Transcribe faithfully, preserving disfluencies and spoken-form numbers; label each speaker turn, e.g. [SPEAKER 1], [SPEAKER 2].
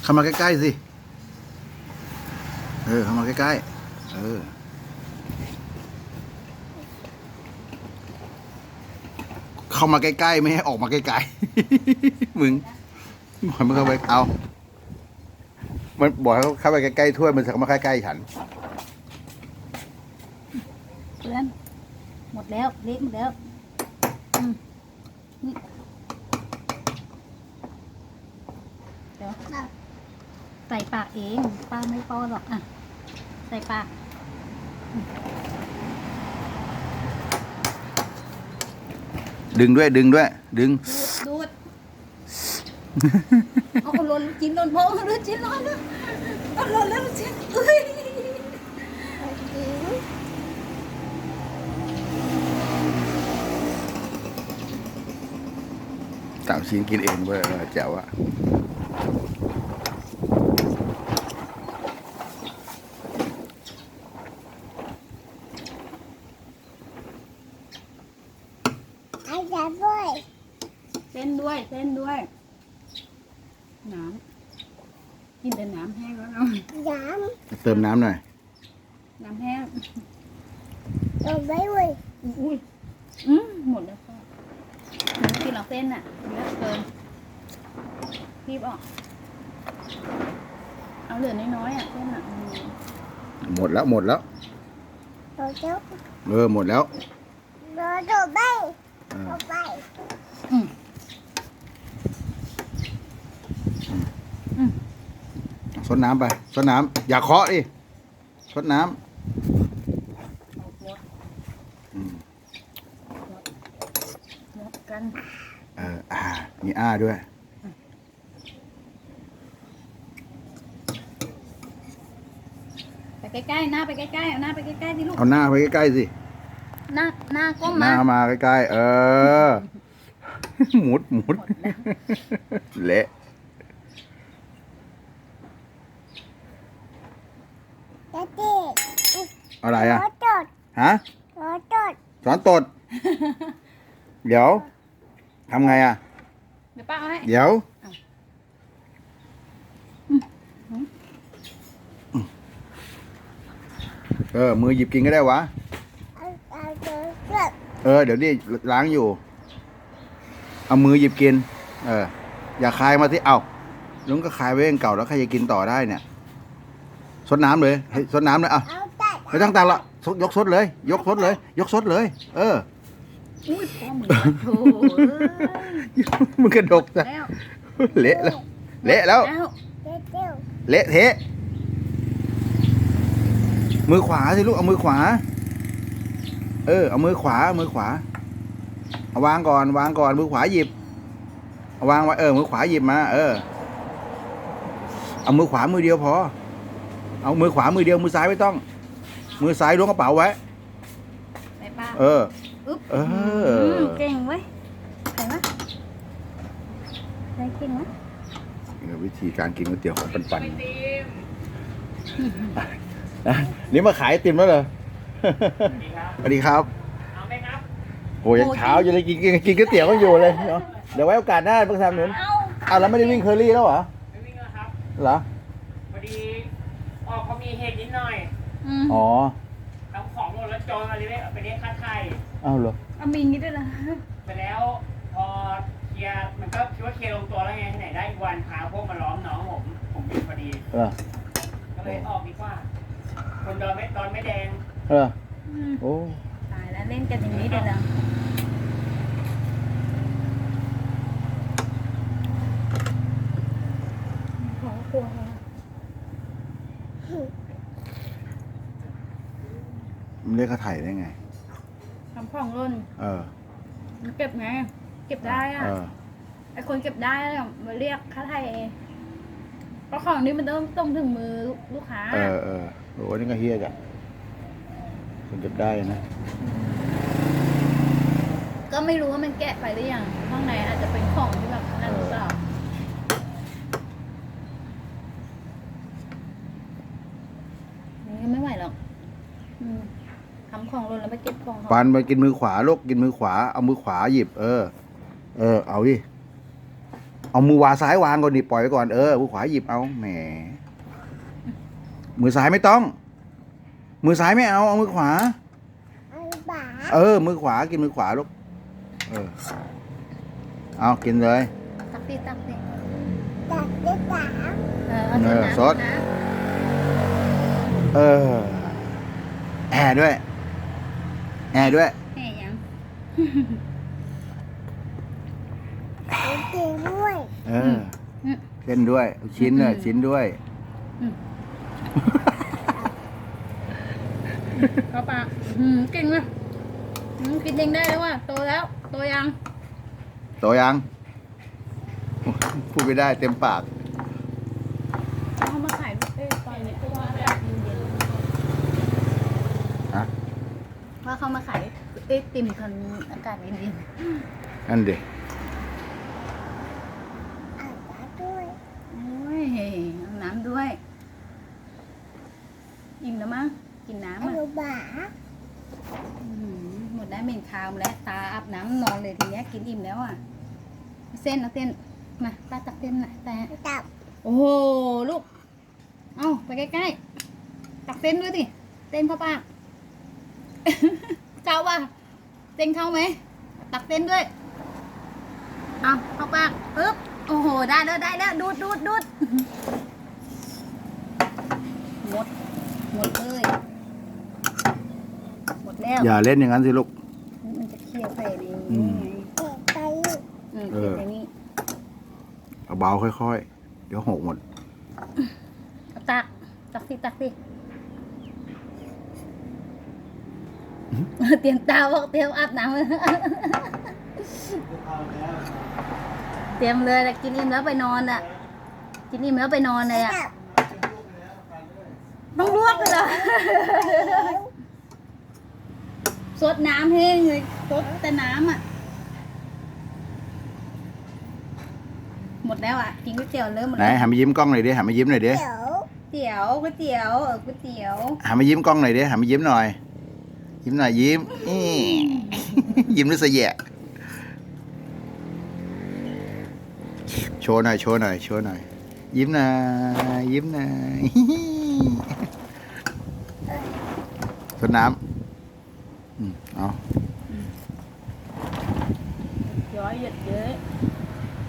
[SPEAKER 1] เข้ามาใกล้ๆสิเออเข้ามาใกล้ๆเออเข้ามาใกล้ๆไม่ให้ออกมาไกลๆมึงบอกมันเข้าไปเอามันบอกให้เข้าไปใกล้ๆถ้วยมันจะเข้ามาใกล้ๆฉัน
[SPEAKER 2] เพื่อนหมดแล้วเละหมดแล้วอืมนี่เดี๋ยวใส่ปากเองป้าไม่ป้อนหรอกอ่ะใส่ปาก
[SPEAKER 1] ดึงด้วยดึงด้วยดึง
[SPEAKER 2] ดูดเอาหล่นจิ้นหล่นพอหล่นจิ้นหล่นแล้วเอาหล่นแล้วจิ้นเอ้ย
[SPEAKER 1] สามชิ้นกินเองเว้ยแจ๋วอะ
[SPEAKER 3] ไอ้จะด้วย
[SPEAKER 2] เส้นด้วยเส้นด้วยน้ำกินแต่น้ำแห้งแล้วเนาะ
[SPEAKER 3] น้
[SPEAKER 1] เติมน้ำหน่อย
[SPEAKER 2] น้ำแห้ง
[SPEAKER 3] ำเราไม่เว้ย
[SPEAKER 2] อุ้ยอืมหมดแล้วพ่อหนูกินหรอกเส้นอ่ะเยอะเกินรีบออกเอาเหลือน้อยๆอ่ะเส้นอ่ะ
[SPEAKER 1] หมดแล้วหมดแล้ว
[SPEAKER 3] เราจะ
[SPEAKER 1] เออหมดแล้ว
[SPEAKER 3] เราจะไปเราไป
[SPEAKER 2] อืมอืม
[SPEAKER 1] ซดน้ำไปซดน้ำอย่าเคาะดิซดน้ำอืม
[SPEAKER 2] หมดกัน
[SPEAKER 1] เอออ่ามีอ้าด้วย
[SPEAKER 2] ไปใกล้ๆหน้าไปใกล้ๆเอาหน้าไปใกล้ๆดิลูก
[SPEAKER 1] เอาหน้าไปใกล้ๆสิ
[SPEAKER 2] หน้าหน้าก้ม
[SPEAKER 1] ห
[SPEAKER 2] มา
[SPEAKER 1] น้ามาใกล้ๆเออหมุดหมุดเละ
[SPEAKER 3] จะเด็ก
[SPEAKER 1] อะไรอ่ะ
[SPEAKER 3] รถจด
[SPEAKER 1] ฮะ
[SPEAKER 3] รถจด
[SPEAKER 1] สอนตดเดี๋ยวทำไงอ่ะ
[SPEAKER 2] เดี๋ยวป้าเอาให้
[SPEAKER 1] เดี๋ยวเออมือหยิบกินก็ได้วะเออเดี๋ยวนี่ล้างอยู่เอามือหยิบกินเอออย่าคายมาที่เอ้าลุงก็คายไว้เองเก่าแล้วใครจะกินต่อได้เนี่ยซดน้ำเลยให้ซดน้ำเลยอ่ะไม่ต้องตักละยกซดเลยยกซดเลยยกซดเลยเออ
[SPEAKER 2] อุ้ยพ่อมึงโถ
[SPEAKER 1] มึงกระดกซะเละแล้วเละแล้วเละเทะมือขวาสิลูกเอามือขวาเออเอามือขวามือขวาเอาวางก่อนวางก่อนมือขวาหยิบเอาวางไว้เออมือขวาหยิบมาเออเอามือขวามือเดียวพอเอามือขวามือเดียวมือซ้ายไม่ต้องมือซ้ายล้วงกระเป๋าไว้เออเออ
[SPEAKER 2] เก่งเว้ยใครวะใครเก่งวะ
[SPEAKER 1] วิธีการกินก๋วยเตี๋ยวของปันปันนี่มาขายไอติมแล้วเหรอสวัสดีครับเอาไหมครับโอ้ยยังเช้าอยู่เลยกินกินก๋วยเตี๋ยวก็อยู่เลยเดี๋ยวไว้โอกาสหน้าเพิ่งทำหนุนอ้าวแล้วไม่ได้วิ่งเคอรี่แล้วเหรอ
[SPEAKER 4] ไม่วิ่งแล้วครับ
[SPEAKER 1] เหรอ
[SPEAKER 4] พอดีออกเขามีเหตุนิดหน่อย
[SPEAKER 1] อ๋อ
[SPEAKER 4] ทำของหมดแล้วโจรมาเลยไปเรียกค่าไถ่
[SPEAKER 1] อ้าวเหรอ
[SPEAKER 2] เอามีงี้ด้วยนะ
[SPEAKER 4] ไปแล้วพอเคลียร์มันก็คิดว่าเคลียร์ลงตัวแล้วไงที่ไหนได้อีกวันพาพวกมาล้อมน้องผมผมอยู่พอดีก็เลยออกดีกว่าคนโดนไม่ตอนไม่แดง
[SPEAKER 1] เออโอ้
[SPEAKER 2] ตายแล้วเล่นกันอย่างนี้เลยเหรอขอกลัว
[SPEAKER 1] มันเรียกค่าไถ่ได้ไง
[SPEAKER 2] ทำของร่น
[SPEAKER 1] เออ
[SPEAKER 2] มันเก็บไงเก็บได้อ่ะไอคนเก็บได้มาเรียกค่าไถ่เพราะของนี้มันต้องต้องถึงมือลูกค้า
[SPEAKER 1] เออเออโอ้นี่ก็เฮี้ยจ้ะคนเก็บได้นะ
[SPEAKER 2] ก็ไม่รู้ว่ามันแกะไปหรือยังข้างในอาจจะเป็นของที่แบบนั่นหรือเปล่านี่ไม่ไหวหรอกทำของหล่นแล้วไปเก็บของ
[SPEAKER 1] ปันไปกินมือขวาลูกกินมือขวาเอามือขวาหยิบเออเออเอาดิเอเอามือวางซ้ายวางก่อนดิปล่อยไปก่อนเออมือขวาหยิบเอาแหมมือซ้ายไม่ต้อง มือซ้ายไม่เอาเอามือขวา
[SPEAKER 3] เอาบ่า
[SPEAKER 1] เออ มือขวากินมือขวาลูกเออเอากินเลย
[SPEAKER 2] ตักดิตักดิ
[SPEAKER 3] ตัดได้สาม
[SPEAKER 2] เออเอา
[SPEAKER 1] เออ
[SPEAKER 2] น้ำ
[SPEAKER 1] ซด
[SPEAKER 2] นะ
[SPEAKER 1] เออแอร์ด้วย แอร์ด้วย
[SPEAKER 2] แม่ยัง
[SPEAKER 3] เอาเก่งด้วย
[SPEAKER 1] เออเส้นด้วยลูกชิ้นเนี่ยชิ้นด้วย
[SPEAKER 2] เข้าปากอืมเก่งเลยอืมกินเองได้แล้วว่ะโตแล้วโตยัง
[SPEAKER 1] โตยัง พูดไม่ได้เต็มปาก
[SPEAKER 2] เอามาขายเอ้ยตอนนี้เพราะว่าอากาศเย็น
[SPEAKER 1] ฮะ
[SPEAKER 2] ๆว่าเขามาขายไอติมตอนอากาศเย็น
[SPEAKER 1] นั่นดิ
[SPEAKER 3] เอาบ่าด้วย
[SPEAKER 2] ๆโอ้ยเอาน้ำด้วยอิ่มแล้วมั้งกินน้ำ
[SPEAKER 3] เอา
[SPEAKER 2] อ่ะ
[SPEAKER 3] บ่า
[SPEAKER 2] อื้อหือหมดได้เหม็นคาวแล้วตาอาบน้ำนอนเลยทีเนี้ยกินอิ่มแล้วอ่ะเส้นเอาเส้นมาตาตักเส้นหน่อยแต่
[SPEAKER 3] ตับ
[SPEAKER 2] โอ้โหลูกเอาไปใกล้ๆตักเส้นด้วยสิเส้นเข้าปาก เข้าป่ะเส้นเข้าไหมตักเส้นด้วยเอาเข้าปากปึ๊บโอ้โหได้แล้วได้แล้วดูดดูดดูดหมดหมดเลยหมดแล้ว
[SPEAKER 1] อย่าเล่นอย่างนั้นสิลูก
[SPEAKER 2] มันจะเคี่ยวใส่ใน
[SPEAKER 1] อื
[SPEAKER 2] นี้
[SPEAKER 1] ม
[SPEAKER 2] ไง
[SPEAKER 3] เก็บไป
[SPEAKER 2] อืม
[SPEAKER 1] เอ
[SPEAKER 2] เคี่ยว
[SPEAKER 1] อ
[SPEAKER 2] ใส่นี้
[SPEAKER 1] เอาเบาค่อยๆ เดี๋ยวหกหมด
[SPEAKER 2] เอาตักตักสิตักสิเตรียมตาบอกเตรียมอาบน้ำ เตรียมเลยแต่กินอิ่มแล้วไปนอนอ่ะ กินอิ่มแล้วไปนอนเลยอ่ะ
[SPEAKER 3] ตับ
[SPEAKER 2] ต้องลวกเลยเหรอ สดน้ำแห้งเลยสดแต่น้ำอ่ะ หมดแล้วอ่ะ กินก๋วยเตี๋ยวเริ่มหมด
[SPEAKER 1] ไหน
[SPEAKER 2] แล้ว
[SPEAKER 1] หันมายิ้มกล้องหน่อยดิหันมายิ้มหน่อยดิ
[SPEAKER 3] เดี๋ยว
[SPEAKER 2] เตี๋ยวก๋วยเตี๋ยวเออก๋วยเตี๋ยว
[SPEAKER 1] หันมายิ้มกล้องหน่อยดิหันมายิ้มหน่อย ยิ้มหน่อยยิ้มอี้ ยิ้มด้วยเสยแยะโชว์หน่อยโชว์หน่อยโชว์หน่อย ยิ้มหน่อยยิ้มหน่อย สดน้ำอืมเอา